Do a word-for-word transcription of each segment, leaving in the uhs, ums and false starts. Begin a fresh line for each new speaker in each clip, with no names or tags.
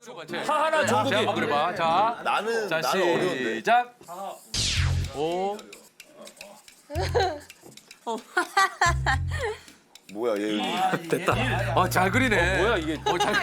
하하나 종국이.
한번 그려봐. 자,
나는
자
나는 어려운데.
시작. 오.
뭐야 예은이.
됐다. 아, 잘 그리네.
뭐야 이게?
어, 잘.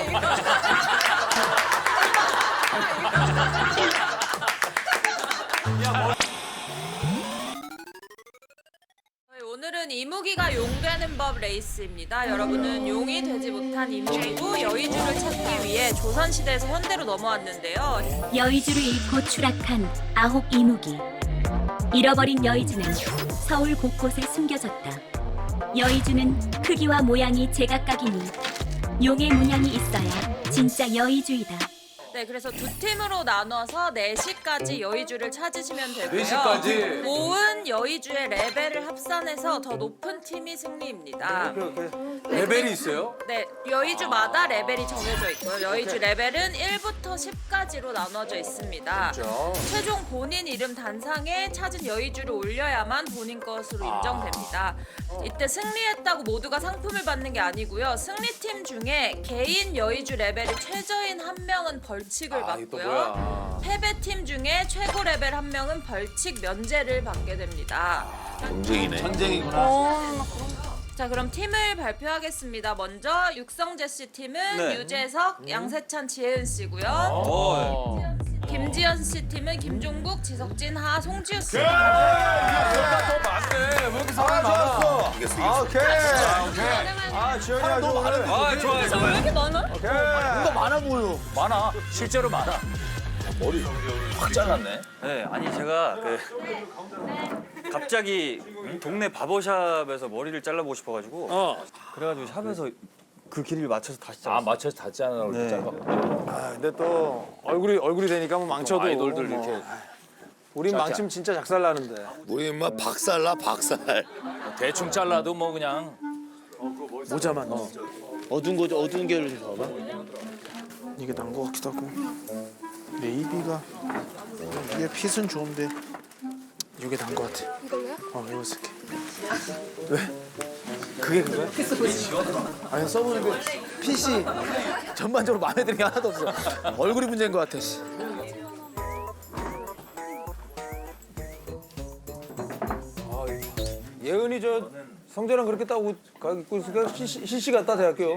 오늘은 이무기가 용 되는 법 레이스입니다. 여러분은 용이 되지 못한 이무기고 여의주를 찾기 위해 조선시대에서 현대로 넘어왔는데요.
여의주를 잃고 추락한 아홉 이무기. 잃어버린 여의주는 서울 곳곳에 숨겨졌다. 여의주는 크기와 모양이 제각각이니 용의 문양이 있어야 진짜 여의주이다.
네, 그래서 두 팀으로 나눠서 네 시까지 여의주를 찾으시면 되고요.
네 시까지?
모은 여의주의 레벨을 합산해서 더 높은 팀이 승리입니다.
레벨이 있어요?
네, 여의주마다 레벨이 정해져 있고요. 여의주 레벨은 일부터 십까지로 나눠져 있습니다. 최종 본인 이름 단상에 찾은 여의주를 올려야만 본인 것으로 인정됩니다. 이때 승리했다고 모두가 상품을 받는 게 아니고요. 승리팀 중에 개인 여의주 레벨이 최저인 한 명은 벌칙을
아, 이게 또
받고요.
뭐야?
패배팀 중에 최고 레벨 한 명은 벌칙 면제를 받게 됩니다.
경쟁이네. 전쟁이구나.
자, 그럼 팀을 발표하겠습니다. 먼저 육성재 씨 팀은
네.
유재석, 양세찬, 지혜은 씨고요.
어.
김지현 씨 팀은 김종국, 지석진, 하, 송지우 씨.
더 많네. 왜 이렇게 사람이 많아?
이겼어 이겼어.
오케이.
아, 오케이.
아 지현이 아주 오늘
아, 좋아요,
왜
좋아요.
이렇게 많아?
뭔가 많아 보여.
많아. 실제로 많아.
머리 확 잘랐네.
네, 아니 제가 그 갑자기 동네 바버샵에서 머리를 잘라보고 싶어가지고
어.
그래가지고 샵에서 그 길이를 맞춰서 다시
아
잘랐어.
맞춰서 닿잖아 얼굴
네.
짧아.
아, 근데 또 얼굴이 얼굴이 되니까 뭐 망쳐도
아이돌들
뭐.
이렇게
우린 망치면 진짜 작살 나는데.
우리 인마 박살나 박살.
대충 잘라도 뭐 그냥
모자만 어.
어두운 거 어두운 게를 좀 봐봐.
이게 난 거 같기도 하고. 네이비가 이게 핏은 좋은데 이게 난 거 같아. 이걸로요? 어, 이거 쓸게. 왜? 그게 그거야? 아니 써보는데 핏이 전반적으로 마음에 드는 게 하나도 없어. 얼굴이 문제인 거 같아. 씨.
예은이 저 성재랑 그렇게 따고 가 입고 있으니까 실시, 실시 갔다 대학교.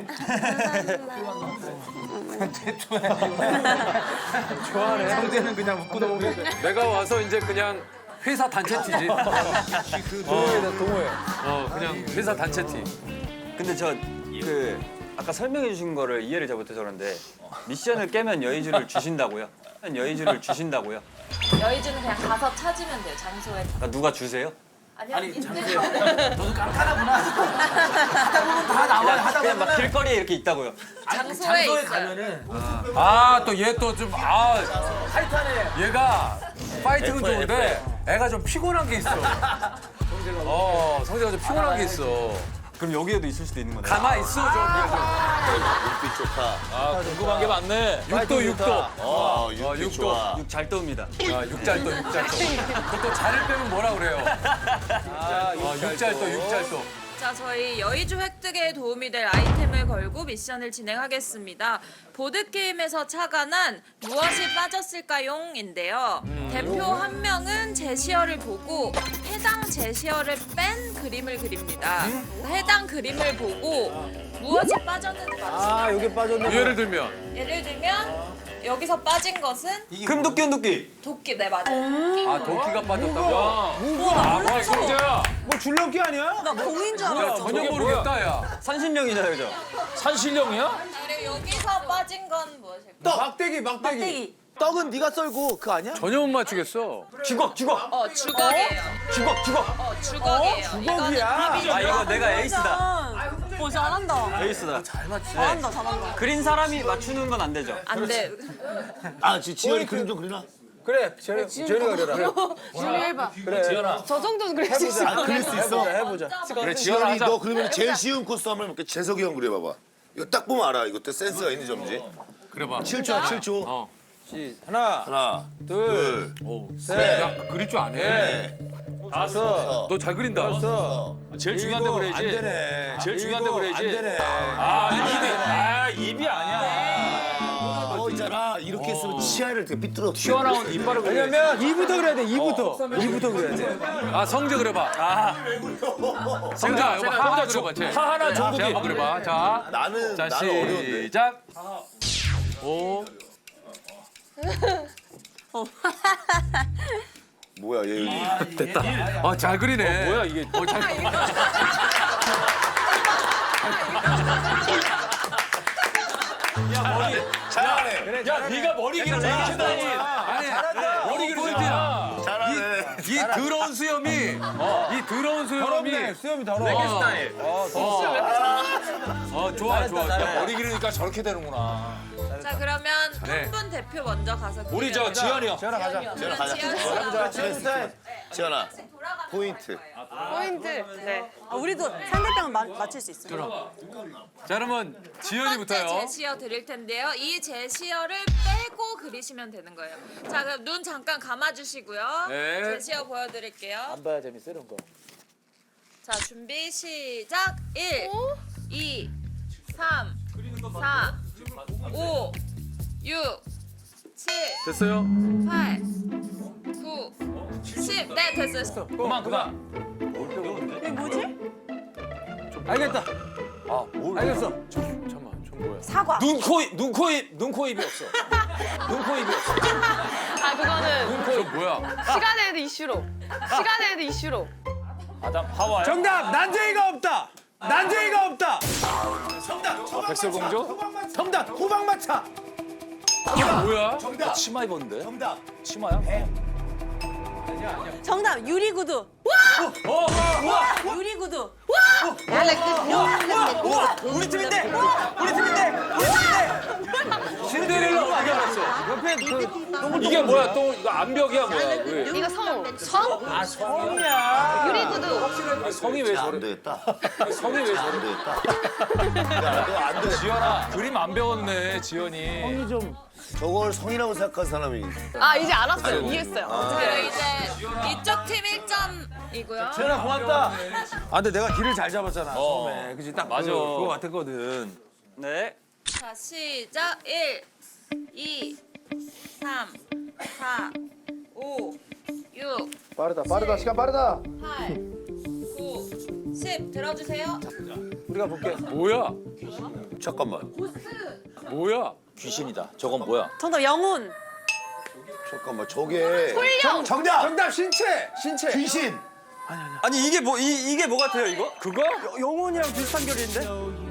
좋아하네. 성재는 그냥 묶고 넘어오게.
내가 와서 이제 그냥 회사 단체 티지.
동호회다 동호회.
어, 그냥 회사 단체 티.
근데 저 그 아까 설명해 주신 거를 이해를 잘 못해서 그런데 미션을 깨면 여의주를 주신다고요? 여의주를 주신다고요?
여의주는 그냥 가서 찾으면 돼요. 장소에.
그러니까 누가 주세요?
아니요. 아니,
그냥 막 길거리에 이렇게 있다고요.
장소에 있어요.
아, 또 얘 또 좀 아, 타이트하네. 얘가 파이팅은 좋은데 애가 좀 피곤한 게 있어. 어, 성재가 좀 피곤한 게 있어.
그럼 여기에도 있을 수도 있는 거네.
가만 있어 좀.
눈빛 좋다.
아 궁금한 게 많네.
육도 육도.
어
육도.
눈빛 좋아.
육 잘 떠옵니다.
아, 육잘도 육잘도. 그것도 잘을 빼면 뭐라 그래요? 아, 육잘도 육잘도.
자, 저희 여의주 획득에 도움이 될 아이템을 걸고 미션을 진행하겠습니다. 보드게임에서 착안한 무엇이 빠졌을까용인데요. 대표 한 명은 제시어를 보고 해당 제시어를 뺀 그림을 그립니다. 해당 그림을 보고 무엇이 빠졌는지 맞추면
아 여기 빠졌네.
예를 들면
예를 들면 여기서 빠진 것은
금도끼 은도끼.
도끼. 네, 맞아요.
아, 도끼가 빠졌다고? 아, 와, 성재야.
뭐 줄넘기 아니야?
야, 전혀 모르겠다, 야.
산신령이잖아요, 저.
산신령이야?
그리고 여기서 빠진 건 무엇일까요?
막대기 막대기.
떡은 네가 썰고 그거 아니야?
전혀 못 맞추겠어.
주걱 주걱
어, 주걱이에요.
주걱 주걱.
어, 주걱이에요.
주걱이야?
아 이거 내가 에이스다.
오, 잘한다.
에이스다. 잘 맞추.
잘한다, 잘한다.
그린 사람이 맞추는 건 안 되죠.
안 돼.
아 지- 지현이 그림 좀 그리나?
그래 지현이 지현이가 그려라.
지훈이 해봐.
그래 지현아.
저 정도는 그릴 수 있어.
아 그릴 수 있어.
해보자.
그래, 지현아
지현이
하자.
너 그러면 제일 쉬운 코스 한번 해볼게. 재석이 형 그려봐봐. 이거 딱 보면 알아. 이것도 센스가 있는 점이지.
그래봐.
칠 초야 칠 초.
어.
하나
하나
둘
둘
야, 그릴 줄 아네.
다섯
너 잘 그린다.
여섯
제일 중요한 데
일곱.
그려야지.
안 되네.
제일 중요한 데
일곱.
그려야지.
안 되네.
아 입이 아 입이 아니야.
어 있잖아. 내가 이렇게 했으면 치아를 되게 삐뚤어.
튀어나온 이빨을 그려.
왜냐면 이부터 그래야 돼. 이부터. 이부터 그래야 돼.
아 성재 그려봐. 아. 성재 이거 하 하나 그려봐. 쟤.
하 하나
자,
종국이.
한번 그려봐. 자,
나는
자
나는 어려운데.
시작. 오.
뭐야 얘.
됐다. 아 잘 그리네.
뭐야 이게?
어, 잘.
잘하네.
야 네가 머리 기는 이렇게다니.
아니 머리 기는 포인트야.
잘하네.
이 더러운 수염이 이 더러운 수염이
더럽네. 수염이 더러워.
스타일.
어 좋아 좋아.
야, 머리 기르니까 저렇게 되는구나.
자 그러면
네.
한 분 대표 먼저 가서
우리 저
그려주세요.
지현이 형.
지현아 가자.
지현아 가자.
지현
지현아
씨가
지현아. 지현아.
돌아가면서
포인트.
포인트. 네. 아, 우리도 상대방은 마, 맞출 수 있어요.
자 그러면
첫 번째
지현이부터요.
제시어 드릴 텐데요. 이 제시어를 빼고 그리시면 되는 거예요. 자 그럼 눈 잠깐 감아주시고요.
네.
제시어 보여드릴게요.
안 봐야 재밌어 이런 거.
자 준비 시작. 일, 이, 삼, 사, 오, 육, 칠,
됐어요?
팔, 구, 십. 네 됐어요.
그만 그만.
이게 뭐지?
알겠다.
아 뭘?
알겠어.
잠깐만 좀 뭐야?
사과.
눈, 코, 입, 눈, 코, 입, 눈, 코, 입이 없어. 눈, 코, 입이 없어.
아 그거는
눈, 코,
저
입.
뭐야?
시간에 대한 이슈로. 시간에 대한 이슈로.
아담 하와이.
정답. 난쟁이가 없다. 난쟁이가 없다.
아, 백설공주?
정답. 호박마차.
뭐야?
나 치마 입었는데? 정답. 치마야?
정답 유리구두.
어, 우와!
유리구두.
우리 팀인데. 우리 팀인데. 우리 팀인데.
신데렐라 어떻게 알았어?
옆에 그
이게 뭐야? 또 이거 암벽이야 뭐야? 왜?
이거 성. 성?
아, 성이야.
유리구두.
성이 왜
안
저래?
되겠다.
성이 왜
안
저래?
되겠다. 야, 너 안 돼.
지현아 그림 안 배웠네 지현이.
성이 좀.
저걸 성이라고 생각한 사람이.
아 이제 알았어요. 이해했어요.
자 이제 이쪽 팀 일 점이고요.
지현아 고맙다. 아 근데 내가 길을 잘 잡았잖아.
어.
처음에. 그지 딱
맞아.
그, 그거 같았거든.
네.
자 시작. 일, 이, 삼, 사, 오, 육,
빠르다 빠르다 시간 빠르다.
팔, 구, 십. 들어주세요.
우리가 볼게.
뭐야?
잠깐만.
뭐야?
귀신이다. 저건 뭐야?
정답 영혼.
잠깐만. 저게.
훌령.
정답.
정답 신체. 신체.
귀신.
아니 이게 뭐 이, 이게 뭐 같아요 이거?
그거?
영혼이랑 비슷한 결인데?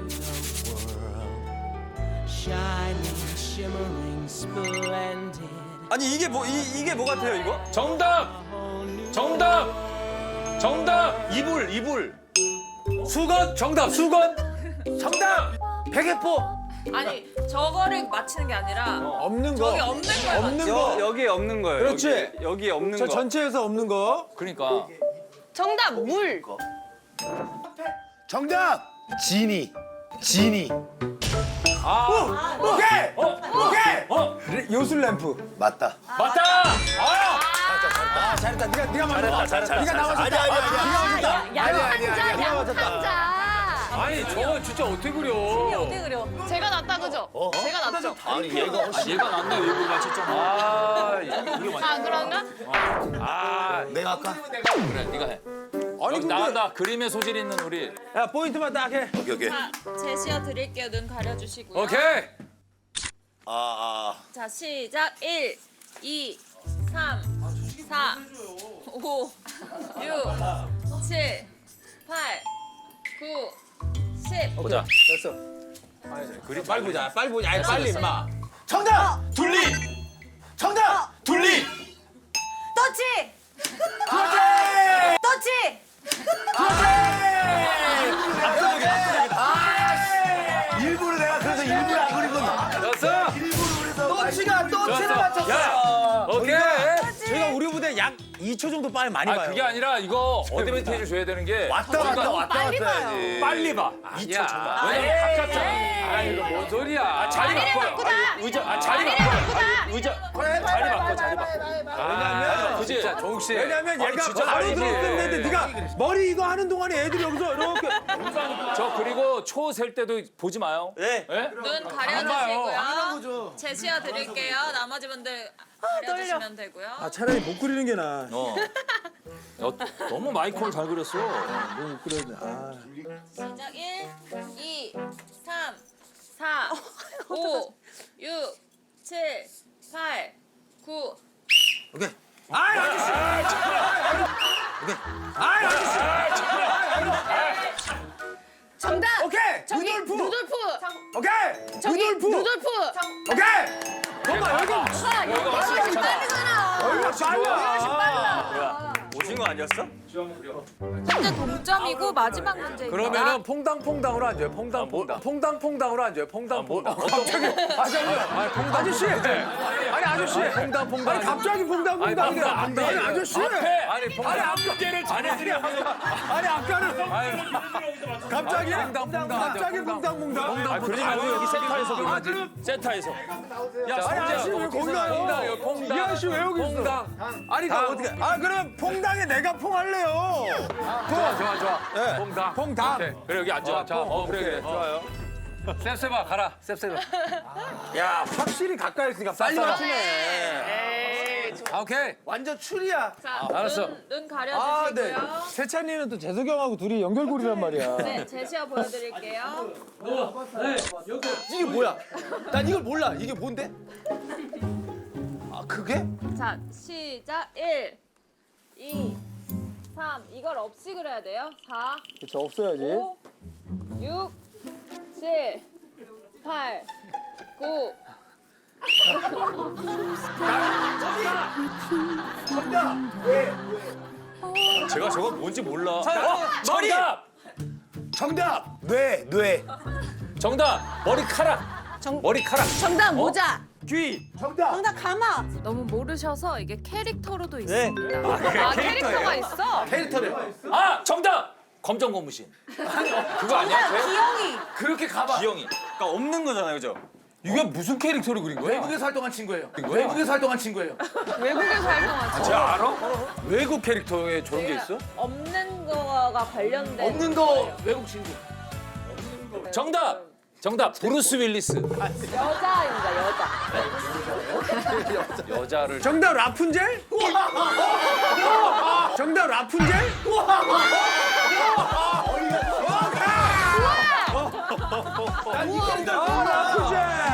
아니 이게 뭐 이, 이게 뭐 같아요 이거?
정답! 정답! 정답! 이불 이불.
수건 정답 수건.
정답. 베개포.
아니 저거를 맞히는 게 아니라
없는 거.
저기 없는 걸
없는
맞춰.
거.
여, 여기에 없는 거예요.
그렇지.
여기, 여기에 없는
저
거.
전체에서 없는 거.
그러니까
정답 물.
정답. 지니. 지니.
아
오케이. 오케이.
어?
요술 램프.
맞다.
맞다. 아!
아 잘했다. 네가 네가 맞았다.
잘했다,
네가 나와줬다.
아니 아니 아니.
네가 맞았다.
양
아니, 아니,
한자
아니,
양
맞았다.
한자.
아니 저거 진짜 어떻게 그려?
어떻게 그려? 제가 낫다 그죠? 제가 낫죠?
아니 얘가 훨씬.
얘가 낫네 이불 맞췄잖아.
아 이게
아 그런가?
아
내가 아까.
그래 네가 해.
아니
여기
근데
나간다. 그림의 소질 있는 우리.
야 포인트만 딱 해.
오케이 오케이.
자 제시어 드릴게요. 눈 가려주시고요.
오케이.
아 아.
자 시작. 일, 이, 삼, 사, 오, 육, 칠, 팔, 구, 십.
보자.
됐어. 그리 빨리 보자. 빨리 보자. 아니 빨리 임마.
정답. 둘리. 정답. 둘리.
터치.
그렇지.
터치.
일부러 내가 그래서 일부러 안 그린 건.
됐어.
또치가 또치를
됐어.
맞췄어.
야 오케이.
저희가 우리 무대 약 이 초 정도 빨리 많이
아
봐요.
그게 아니라 이거 어드밴티지 줘야 되는 게
왔다 갔다 왔다
빨리
갔다
봐요.
해야지.
빨리 봐. 아니야. 왜냐면 바깥잖아. 아 이거 뭔 소리야? 아, 자리 바꿔요.
바꾸자.
의자 아 자리 바꿔. 아니, 의자 자리 바꿔 자리 바꿔.
왜냐면
그지?
진짜 정욱 씨.
왜냐면 얘가
진짜
바로
아니지.
들어왔으면 되는데 네가 머리 이거 하는 동안에 애들이 여기서 이렇게
저 그리고 초 셀 때도 보지 마요.
네.
예?
눈 가려주시고요. 제시어 드릴게요. 나머지 분들 가려주시면 되고요.
아 차라리 못 그리는 게 나아.
어. 어, 너무 마이콜 잘 그렸어.
너무 못 그렸네. 아.
시작 일, 이, 삼, 사, 오, 육, 칠, 팔, 구.
오케이.
아이 아저씨. 아이 아저씨.
정답.
오케이.
저기
루돌프.
루돌프.
오케이.
저기
루돌프.
루돌프.
오케이. 잠깐만 여기
아, 이거 빠르잖아.
얼마 빨라.
뭐야? 오신 거 아니었어?
현재 동점이고 마지막 문제입니다.
그러면은 퐁당퐁당으로 앉아요. 퐁당퐁당. 퐁당퐁당으로 앉아요. 퐁당퐁당.
갑자기 아 잠깐만. 아저씨. 아니 아저씨.
퐁당퐁당.
아니 갑자기 퐁당퐁당.
아니, 퐁당,
아니
퐁당.
아저씨.
아니 퐁당.
아니 아까 아니 아니 아까는 갑자기
퐁당퐁당.
갑자기 퐁당퐁당.
아, 그러지 말고 여기 센터에서 그러지. 센터에서.
야,
아니 아저씨 왜 거기 가요?
퐁당이요. 퐁당.
이 아저씨 왜 여기 있어?
퐁당. 아니 나 어떻게?
아 그럼 퐁당에 내가 퐁할래요.
좋아 좋아 좋아.
네.
퐁당.
퐁당.
오케이.
그래 여기 앉아.
어, 자,
어, 그래 그래.
좋아요. 셉셉아 가라. 셉셉아.
야 확실히 가까이 있으니까 빨리 맞추네.
아, 오케이.
완전 출이야.
자,
알았어.
눈, 눈
아 네.
가려주시고요.
세찬이는 또 재석이 형하고 둘이 연결고리란 말이야.
네, 제시어 보여드릴게요.
이게 뭐야? 난 이걸 몰라. 이게 뭔데?
아 그게?
자, 시작 일, 이, 삼. 이걸 없이 그려야 돼요. 사,
저 없어야지.
오, 육, 칠, 팔, 구.
제가 저거 뭔지 몰라. 어,
머리!
정답.
정답. 뇌 뇌.
정답. 머리카락.
정-
머리카락.
정답 모자.
귀.
정답.
정답 가마.
너무 모르셔서 이게 캐릭터로도
네.
있습니다. 아, 캐릭터가 있어?
캐릭터래.
아 정답. 검정 고무신. 그거 아니야? 돼?
기영이.
그렇게 가봐. 기영이.
그러니까 없는 거잖아요, 그죠?
이게 무슨 캐릭터를 그린 거야?
외국에서 활동한 친구예요. 외국에서 활동한 친구예요.
외국에서 활동하죠.
제가 알아? 외국 캐릭터에 저런 게 있어?
없는 거가 관련된.
없는 거 외국 친구.
정답. 정답. 브루스 윌리스.
여자입니다, 여자.
여자를.
정답 라푼젤? 정답 라푼젤? 난 이거 정답 라푼젤.